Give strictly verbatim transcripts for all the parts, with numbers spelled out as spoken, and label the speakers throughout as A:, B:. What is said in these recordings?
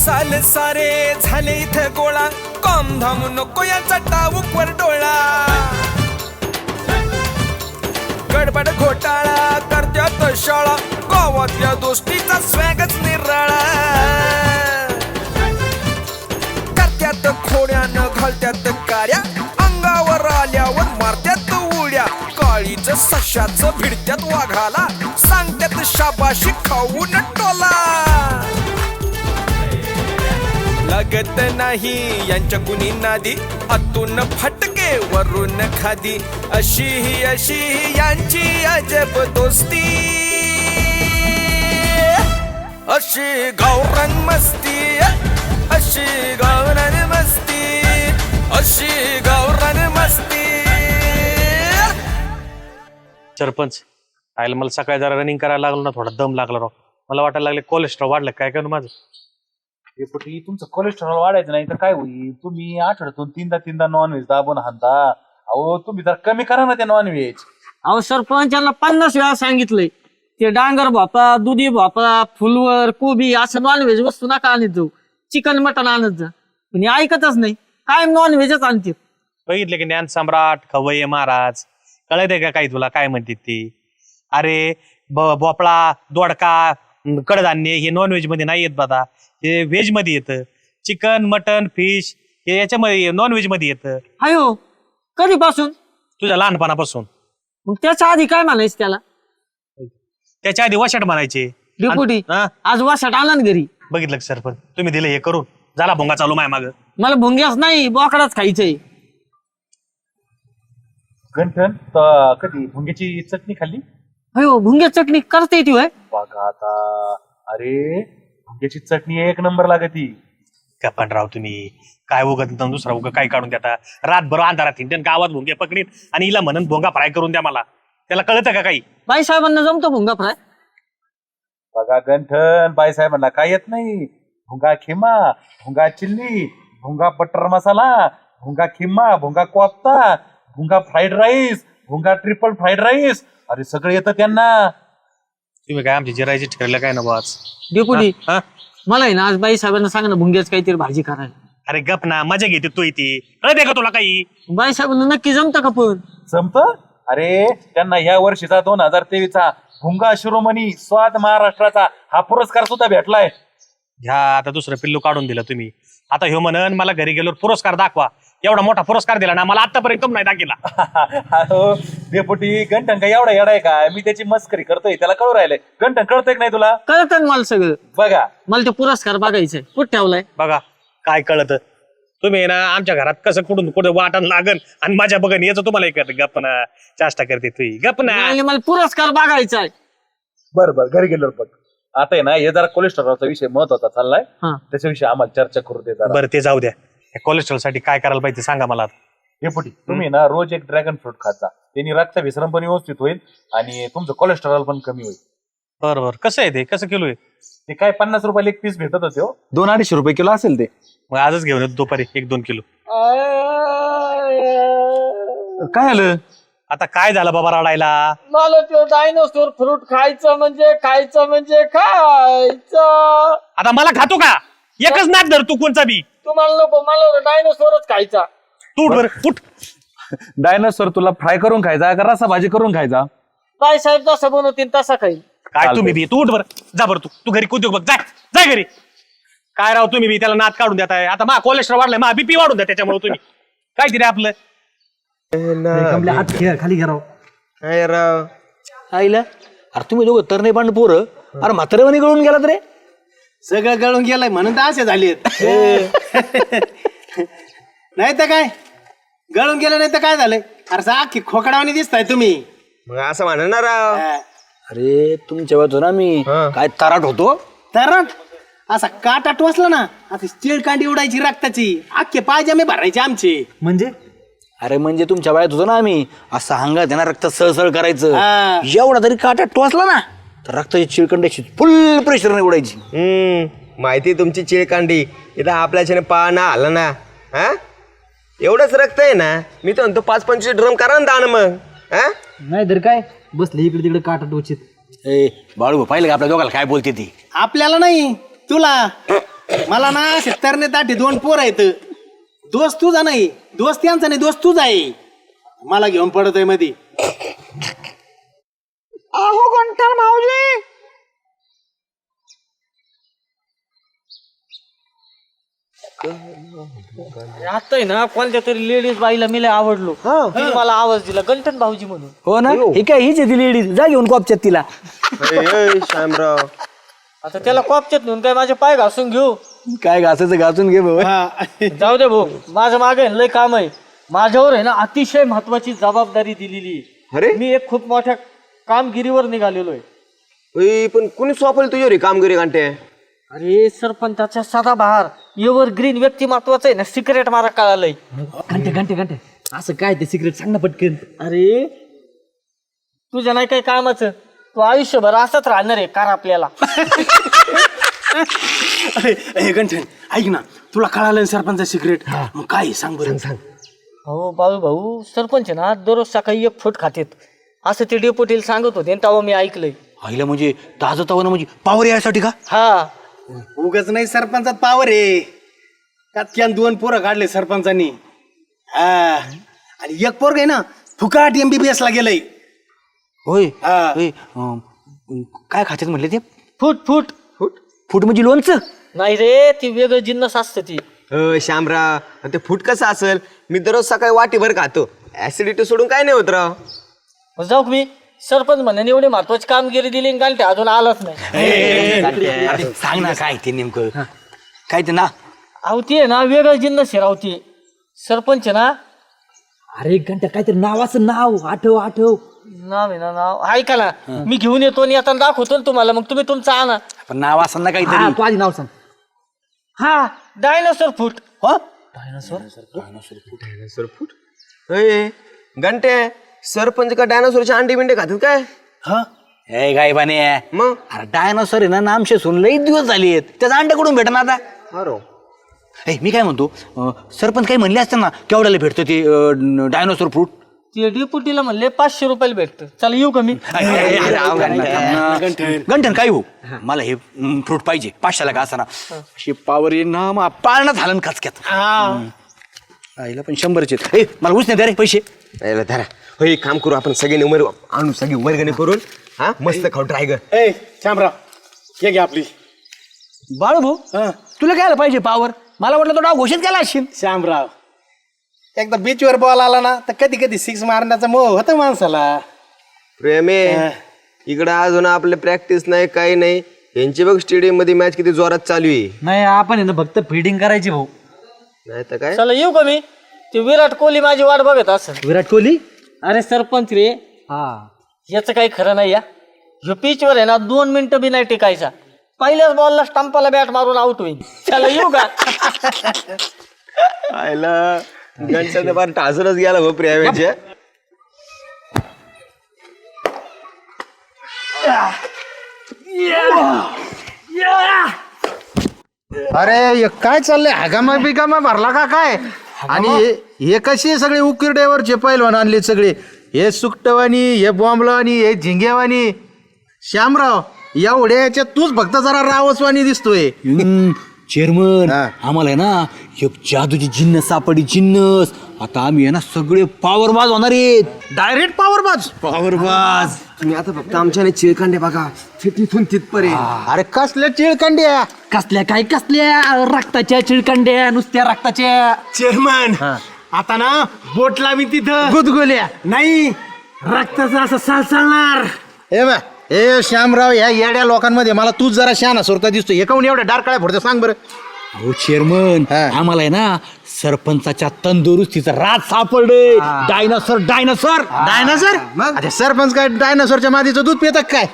A: मसाले सारे झाले इथे गोळा, कॉम धाम नको याचा टाऊकवर डोळा. गडबड घोटाळा करत्यात शाळा, गावातल्या दोस्तीचा स्वॅगच निराळा. करत्यात खोड्यानं घालत्यात कार्या, अंगावर आल्यावर मारत्यात उड्या. काळीच सशाचं भिडत्यात वाघाला, सांगत्यात शाबाशी खाऊन टोला. लागत नाही यांच्या कुणी नादी, आतून फटके वरून खादी. अशी ही अशी ही यांची अजब दोस्ती, अशी गावरान मस्ती, अशी गावरान मस्ती, अशी गावरान मस्ती.
B: सरपंच आयला मला सकाळी जरा रनिंग करायला लागलो ना, थोडा दम लागला राव. मला वाटायला लागले कोलेस्ट्रॉल वाढलं काय करू माझं.
C: डेपुटी तुमचं कोलेस्ट्रॉल वाढायचं नाही तर काय होईल, तुम्ही आठवड्यातून तीनदा तीनदा नॉनव्हेज दाबून हाणता. अहो तुम्ही जर कमी करा ना ते नॉनव्हेज.
D: अहो सरपंचांना पन्नास वेळा सांगितलंय ते डांगर भोपळा, दुधी भोपळा, फुलवर, कोबी असं नॉनव्हेज वस्तू नका आणत जाऊ, चिकन मटन आणत जा. पण हे ऐकतच नाही, काय नॉनव्हेजच आणते.
B: बघितलं की ज्ञान सम्राट खवय्ये महाराज, कळत का काही तुला काय म्हणते ती. अरे भोपळा, दोडका, कडधान्य हे नॉनव्हेज मध्ये नाही येत बाबा, हे व्हेज मध्ये येतं. चिकन मटन फिश हे याच्यामध्ये नॉनव्हेज मध्ये येतं.
D: अयो कधीपासून?
B: तुझ्या लहानपणापासून.
D: मग त्याच्या आधी काय म्हणायचं त्याला?
B: त्याच्या आधी वशाट म्हणायचे.
D: डेपुटी
B: हा?
D: आज वासाट आला ना घरी.
B: बघितलं का सरपंच, तुम्ही दिलं हे करून, झाला भोंगा चालू माय माग.
D: मला भुंग्याच नाही बोकडाच खायचंय.
C: गंठन तर कधी भुंग्याची चटणी खाल्ली?
D: अयो भुंग्या चटणी करता येते होय?
C: बघा आता, अरे भुंग्याची चटणी एक नंबर लागती.
B: का पण राव तुम्ही काय उगत दुसरा उग काय काढून देता. रातभर अंधारात हिंडन गावात भोंगे पकडीन आणि हिला म्हणून भोंगा फ्राय करून द्या मला. त्याला कळतं का काही?
D: बाई साहेबांना जमतो भुंगा फ्राय?
C: बघा गंठन बाईसाहेबांना काय येत नाही. भुंगा खिमा, भुंगा चिल्ली, भुंगा बटर मसाला, भुंगा खिमा, भुंगा कोफ्ता, भुंगा फ्राईड राईस, भुंगा ट्रिपल फ्राईड राईस, अरे सगळं येतं त्यांना.
B: तुम्ही काय आमची जिरायची ठरलं काय ना बाज.
D: डेपुटी
B: हा?
D: मला आहे ना आज बाई साहेबांना सांग ना भुंग्याच काहीतरी भाजी करायला.
B: अरे गप ना, मजा घेते तू इथे. कळते का तुला काही?
D: बाई साहेबांना नक्की जमतं का पण?
C: जमत. अरे त्यांना या वर्षीचा दोन हजार तेवीसचा भुंगा शिरोमणी स्वाद महाराष्ट्राचा हा पुरस्कार सुद्धा भेटलाय.
B: ह्या आता दुसरं पिल्लू काढून दिलं तुम्ही. आता ह्यो म्हणन मला घरी गेल्यावर पुरस्कार दाखवा. एवढा मोठा पुरस्कार दिला ना मला आतापर्यंत कम नाही दाखिला.
C: डेपुटी गंठन का एवढा येडाय का? मी त्याची मस्करी करतोय, त्याला कळू राहिलंय. गंठन कळतंय की नाही तुला?
D: कळतं ना मला सगळं.
C: बघा
D: मला ते पुरस्कार बघायचंय. कुठं ठेवलाय?
B: बघा काय कळत. तुम्ही ना आमच्या घरात कसं कुठून कुठे वाटण लागन आणि माझ्या बघन याचं तुम्हाला एक गप ना चाष्टा करते तुही. गप ना.
D: आणि मला पुरस्कार बघायचाय.
C: बरं बरं घरी गेल्यावर बघ. आता आहे ना हे जरा कोलेस्ट्रॉलचा विषय महत्वाचा चाललाय,
D: हा.
C: त्याच्याविषयी आम्हाला चर्चा करू दे जरा.
B: बरं ते जाऊ द्या. कोलेस्ट्रॉल साठी काय करायला पाहिजे सांगा मला.
C: डेपुटी तुम्ही ना रोज एक ड्रॅगन फ्रूट खाता, त्यांनी रक्त विसरण पण व्यवस्थित होईल आणि तुमचं कोलेस्ट्रॉल पण कमी होईल.
B: बरं बरं कसं आहे ते, कसं किलो आहे
C: ते? काय पन्नास रुपयाला एक पीस भेटत होते.
E: दोन अडीचशे रुपये किलो असेल ते.
B: मग आजच घेऊन येतो दुपारी एक दोन किलो.
E: काय आलं?
B: आता काय झालं बाबा रडायला?
D: मला तो डायनोसॉर फ्रूट खायचं म्हणजे खायचं म्हणजे खायचं.
B: आता मला खातो का? एकच नाक धर तू कोणचा बी.
D: तुम्हाला नको, मला डायनोसॉरच खायचा.
B: तू उठ बरं उठ.
E: डायनोसॉर तुला फ्राय करून खायचा का रसा भाजी करून खायचा?
D: बाई साहेब जसं बनवतील तसा खाईल.
B: काय तुम्ही बी तू उठ बरं. जा बरं तू तू घरी कुठे बघ. जाय जाय घरी. काय राव तुम्ही बी त्याला नात काढून देताय. आता मा कोलेस्ट्रॉल वाढलाय, मा बीपी वाढून द्या त्याच्यामुळे तुम्ही. काय दिले आपलं
D: हात घ्या खाली घ्या राव.
F: काय राव आईला. अरे तुम्ही दोघं तर नाही पण पोरं. अरे म्हातारेवानी गळून गेलात रे.
G: सगळं गळून गेलाय म्हणून तर असे झालेत. नाही तर काय गळून गेलं नाही तर काय झालंय? अरे अख्खी खोकडावानी दिसताय तुम्ही.
F: मग असं म्हणा ना राव.
G: अरे तुमच्या वेळेस ना मी काय तराट होतो. तराट असा काटा टोचला ना आता स्टील कांडी उडायची रक्ताची, अख्खे पायजामे भरायचे आमचे.
D: म्हणजे
G: अरे म्हणजे तुमच्या वेळेत होतो ना आम्ही असं अंगात ना रक्त सळसळ करायचं. एवढा तरी काटा टोचला ना तर रक्ताची चिळकंडाची फुल प्रेशर उडायची.
F: हम्म माहिती तुमची चिळकांडी. इथं आपल्याच्याने पाळणा आला ना. हा एवढंच रक्त आहे ना. मी तर म्हणतो पाच पंचवीस ड्रम करा ना दान मग. हा
D: नाही तर काय बसले इकडे तिकडे काटा टोचित.
G: ए बाळू पाहिलं का आपल्या दोघाला काय बोलते ती?
D: आपल्याला नाही तुला.
G: मला ना असे तरणे ताटे दोन पोर आहेत. दोस्त तुझा नाही, दोस्त यांचा नाही, दोस्त तुझा आहे. मला घेऊन पडतोय मध्ये.
D: अहो गंठन भाऊजी, आता ना कोणत्या तरी लेडीज बाईला मी लय आवडलो. तिने मला आवाज दिला गंठन भाऊजी म्हणून.
G: हो ना, हे काय हीच आहे ती लेडीज. जा घेऊन कॉपच्यात तिला.
F: श्यामराव
D: आता त्याला कॉपच्यात नेऊन काय माझे पाय घासून घेऊ?
G: काय घासायचं घासून घे भाऊ.
D: जाऊ दे भाऊ, माझं मागे लय काम आहे. माझ्यावर आहे ना अतिशय महत्वाची जबाबदारी दिलेली आहे.
F: अरे
D: मी एक खूप मोठ्या कामगिरीवर निघालेलो आहे.
F: ओय, पण कुणी सोपवलं तुझ्या रे कामगिरी घंटे?
D: अरे सरपंचाच्या सदाबहार एव्हर ग्रीन व्यक्तिमत्वाचं आहे ना सिक्रेट मला कळालंय.
G: घंटे घंटे घंटे असं काय ते सिक्रेट सांग ना पटकन.
D: अरे तुझ्या नाही काही कामाचं, तू आयुष्यभर असंच राहणार आहे कार आपल्याला.
G: अरे गंठन ऐक ना, तुला कळालं ना सरपंच सिक्रेट? मग काय सांग बरं. सांग.
D: हो बाळू भाऊ, सरपंच ना दररोज सकाळी एक फूट खातेत असं ते डेपोटीला सांगत होते, तेव्हा मी ऐकलंय.
G: आईला म्हणजे ताजं तवं म्हणजे पावर यासाठी का?
D: हा
G: उगाच नाही सरपंचात पावर आहे. कातक्यान दोन पोरं काढले सरपंचांनी. हा आणि एक पोरग आहे ना फुकाट एमबीबीएस ला गेलंय. होय काय खात्यात म्हणले ते?
D: फूट फूट
G: फूट फूट म्हणजे लोणचं?
D: नाही रे, ती वेगळं जिन्नस असतं ती.
F: अ श्यामराव, आणि ते फूट कसं असेल? मी दररोज सकाळी वाटीभर खातो. ऍसिडिटी सोडून काय नाही होत राव.
D: मग जाऊ का मी? सरपंच म्हणून एवढी महत्वाची कामगिरी दिली आणि गांठ्या अजून आलाच नाही.
G: सांग ना काय ते नेमकं काय ते ना.
D: अहो ती आहे ना वेगळं जिन्नस आहे राव ती. सरपंच ना,
G: अरे घंटा काहीतरी नाव असं नाव आठव आठव.
D: नाव आहे ना नाव ऐका ना, मी घेऊन येतो आणि आता दाखवतो ना तुम्हाला, मग तुम्ही तुमचं आणा.
G: पण नाव असं ना काहीतरी. तू आधी नाव सांग.
D: हा डायनोसॉर फूट.
G: हो
F: डायनासोर फूट? अय घंटे, सरपंच का डायनासोरचे अंडे बिंडे खातात काय?
G: हा हे काय बाने
F: मग
G: अरे डायनोसॉर आहे ना नामशे सुन लई दिवस झाले आहेत. त्याचा अंडे कुठून भेटणार आता?
F: अरे
G: ए मी काय म्हणतो, अं, सरपंच काही म्हणले असते ना केवढ्याला भेटतं ते डायनोसॉर फ्रूट?
D: ते डेपुटीला म्हणले पाचशे रुपयाला भेटतं. चला येऊ का मी?
G: गंठन काय हो, मला हे फ्रूट पाहिजे पाचशेला का असताना. अशी पावर ये ना मग पाळणा झाला ना खचक्यात. आईला पण शंभरचे. ए मला उच नाही द्या रे पैसे.
F: याला धरा. होय एक काम करू, आपण सगळे उमर आणू, सगळी वर्गणी करून हा मस्त खाऊ ड्रायगर.
G: ए श्यामराव हे घे आपली. बाळू भाऊ तुला काय आलं पाहिजे पावर? मला वाटलं तो डाव घोषित केला असशील. श्यामराव एकदा बीचवर बॉल आला ना तर कधी कधी सिक्स मारण्याचा मोह होता माणसाला.
F: प्रेमे इकडं अजून आपले प्रॅक्टिस नाही काही नाही. यांची बघ स्टेडियम मध्ये मॅच किती जोरात चालू आहे.
D: नाही आपण आहे ना फक्त फिडिंग करायची भाऊ.
F: नाही तर काय.
D: चला येऊ का मी? ते विराट कोहली माझी वाट बघत असेल.
G: विराट कोहली?
D: अरे सरपंच रे, हा याचं काही खरं नाही. या ह्यो पिचवर आहे ना दोन मिनिटं बी नाही टिकायचा. पहिल्याच बॉलला स्टंपाला बॅट मारून आउट होईल. चला येऊ का?
F: आयला गणचा फार टाजूनच गेला भाऊ प्रेमेच्या.
H: अरे हे काय चाललंय? हगामा बिगामा भरला का काय? आणि हे- हे कसे सगळे उकिरड्यावरचे पैलवान आणले सगळे? हे सुकटवानी, हे बॉम्बलावानी, हे झिंग्यावानी. श्यामराव एवढ्या याच्यात तूच फक्त जरा रावसवानी दिसतोय.
G: चेअरमन
H: हा.
G: आम्हाला आहे ना एक जादूची जिन्नस सापडी जिन्नस. आता आम्ही आहे ना सगळे पॉवर बाज होणार आहेत.
H: डायरेक्ट पॉवर बाज.
G: पॉवर बाज.
F: तुम्ही आता फक्त आमच्याने चिळकांडे बघा, तिथून तिथपर्यंत.
H: अरे कसल्या चिळकांड्या?
G: कसल्या काय कसल्या रक्ताच्या चिळकांड्या, नुसत्या रक्ताच्या. चेअरमन आता ना बोट लावी तिथं
H: गुदगुल्या
G: नाही रक्ताचं असं सळसळणार.
H: हे बा हे श्यामराव या येड्या लोकांमध्ये मला तूच जरा शहाणा सुरता दिसतोय. हे काऊन एवढ्या डार्क काळ्या फोडतं सांग बरं.
G: हो चेअरमन
H: हा.
G: आम्हाला आहे ना सरपंचाच्या तंदुरुस्तीचं राज सापडलंय. Dinosaur dinosaur
H: dinosaur? अच्छा सरपंच काय डायनासोरच्या मादीचं दूध पितात काय?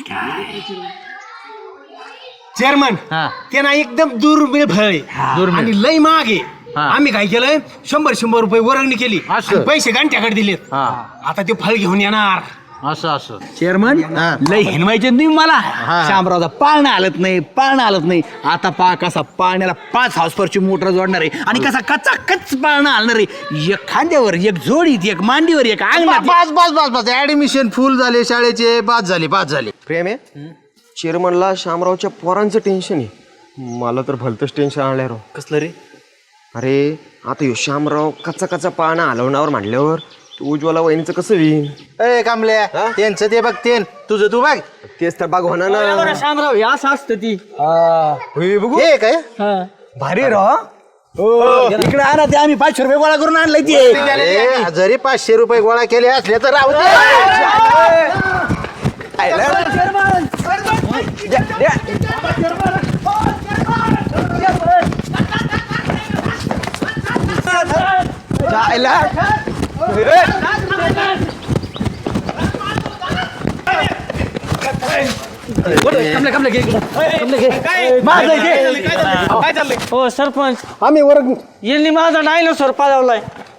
G: चेअरमन ते ना एकदम दुर्मिळ फळ आहे आणि लय महाग आहे. आम्ही काय केलंय शंभर शंभर रुपये वर्गणी केली
H: असं?
G: आणि पैसे घंट्याकडे दिलेत. आता ते फळ घेऊन येणार.
H: असं असं
G: चेअरमन
H: हा.
G: लय हिनवायचे तुम्ही मला. शामरावचा पाळणा हलत नाही पाळणा हलत नाही. आता पा कसा पाळण्याला पाच हाऊसपरची मोटर जोडणार आहे आणि कसा कच्चा कच पाळणा हलणार आहे. एक खांद्यावर एक जोडीत एक मांडीवर एक अंगणात.
H: बस बस बस बस ऍडमिशन फुल झाले शाळेचे. पास झाले पास झाले.
F: प्रेम आहे चेअरमनला शामरावच्या पोरांचं टेन्शन आहे. मला तर भलतंच टेन्शन आलंय राव.
B: कसलं रे?
F: अरे आता ह्यो श्यामराव कच्चा कच्चा पाळणा हलवण्यावर मांडल्यावर उज्ज्वला वहिनीचं कसं होईल?
H: ए कामल्या त्यांचं ते बघ ते तुझं तू बघ
F: तेच तर बाग होणार ना.
D: बरं, शामराव हे असं असतं ती
F: होय बघू.
H: हे काय
D: हा.
G: भारी राव इकडे आणा ते आम्ही पाचशे रुपये गोळा करून आणलंय ते
H: अरे, जरी पाचशे रुपये गोळा केले असले तर राहू दे.
D: हो सरपंच आम्ही वर्ग यांनी माझा डायनोसॉर पाळवलाय.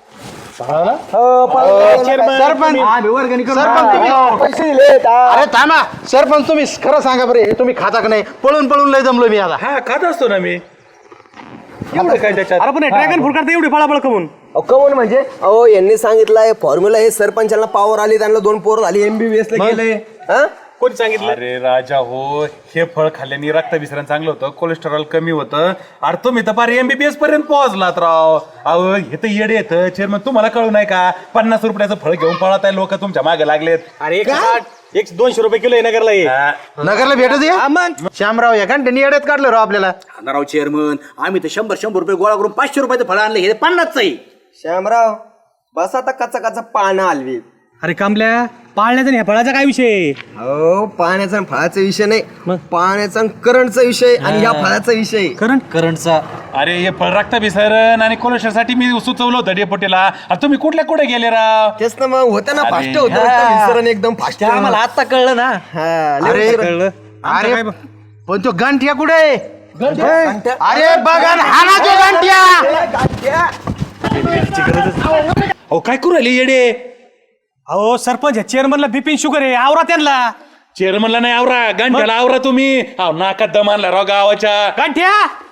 H: सरपंच सरपंच तुम्ही अरे थांबा सरपंच तुम्ही खरं सांगा बरे हे तुम्ही खाता का नाही? पळून पळून लय जमलो मी आता.
C: हा खात असतो ना मी. एवढं काय त्याच्यात?
B: अरे पण ड्रॅगन फ्रूट करता एवढी फळाफळ कमून?
F: कमून म्हणजे अहो यांनी सांगितलंय फॉर्म्युला हे सरपंचाला पॉवर आली त्यांना दोन पोर झाली एमबीबीएस ला गेले. हा?
B: कोणी सांगितलं?
C: अरे राजा हो हे फळ खाल्ल्याने रक्ताभिसरण चांगलं होतं कोलेस्टेरॉल कमी होतं. अरे तुम्ही तर पार एमबीबीएस पर्यंत पोहोचलात राव. अहो हे तर येडे येतं चेअरमन तुम्हाला कळू नाही का? पन्नास रुपयाचं फळ घेऊन पळत आहे लोक तुमच्या मागे लागलेत.
B: अरे एक साठ एक दोनशे रुपये किलो आहे नगरला हे.
H: नगरला भेटत ये श्यामराव या घंटे येड्यात काढलं राव आपल्याला.
G: राव चेअरमन आम्ही तर शंभर शंभर रुपये गोळा करून पाचशे रुपयाचं फळ आणलं हे पन्नासचं आहे.
F: श्यामराव बस आता कच्चा कच्चा पाळणा हलवी.
B: अरे कामल्या पाळण्याचा नाही फळाचा काय विषय?
F: हो पाण्याचा आणि फळाचा विषय नाही पाण्याचा आणि करंटचा विषय आणि ह्या फळाचा विषय.
B: करंट करंटचा
C: अरे हे फळ रक्ताभिसरण आणि कोलेस्ट्रॉल साठी मी सुचवलं होतं डेपोटीला. अरे तुम्ही कुठल्या कुठे गेले राव?
F: तेच ना मग होतं ना फास्ट होतं रक्ताभिसरण एकदम फास्ट.
B: आम्हाला आता कळलं ना.
H: अरे
B: कळलं
H: अरे पण तो गंठ्या कुठे आहे? अरे बघा ना, हा ना तो गंठ्या.
B: अहो काय करू राहिले येडे? अहो सरपंच चेअरमनला बिपिन शुगर आहे आवरा त्यांना.
C: चेअरमनला नाही आवरा गंठ्याला आवरा तुम्ही. अहो नाकात दम आणला राव गावाच्या.
B: गांठ्या